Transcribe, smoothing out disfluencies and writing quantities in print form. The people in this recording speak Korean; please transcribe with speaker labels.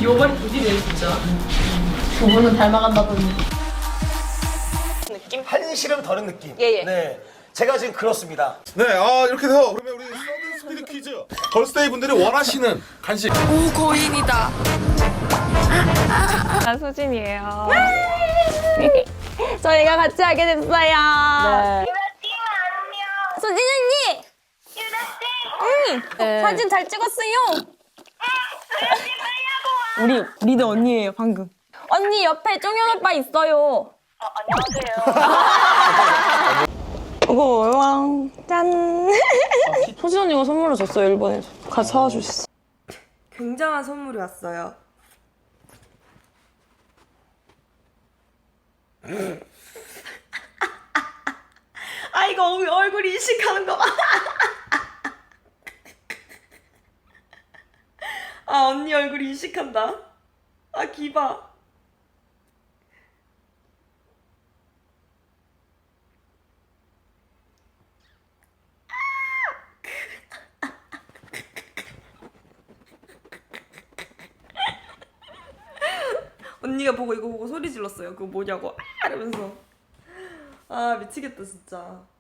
Speaker 1: 귀여워버린 둘이네 진짜.
Speaker 2: 두 분은 닮아간다더니.
Speaker 1: 느낌?
Speaker 3: 한시름 더는 느낌.
Speaker 1: 예.
Speaker 3: 네. 제가 지금 그렇습니다.
Speaker 4: 네, 이렇게 해서 그러면 우리 서든 스피드 퀴즈 걸스데이 분들이 원하시는 간식.
Speaker 5: 오 고인이다.
Speaker 6: 난 수진이에요. 저희가 같이 하게 됐어요.
Speaker 1: 네.
Speaker 6: 수진 언니. 응. 사진 잘 찍었어요. 우리 리더 언니예요 방금. 언니 옆에 종현 오빠 있어요. 안녕하세요. 이거 왕 짠. 수진 언니가 선물을 줬어요 일본에서. 가서 사와 주셨어.
Speaker 5: 굉장한 선물이 왔어요. 아 이거 얼굴 이식하는 거 봐. 아 언니 얼굴 이식한다. 아 기봐. 언니가 보고 이거 보고 소리 질렀어요. 그거 뭐냐고 아 이러면서. 아 미치겠다 진짜.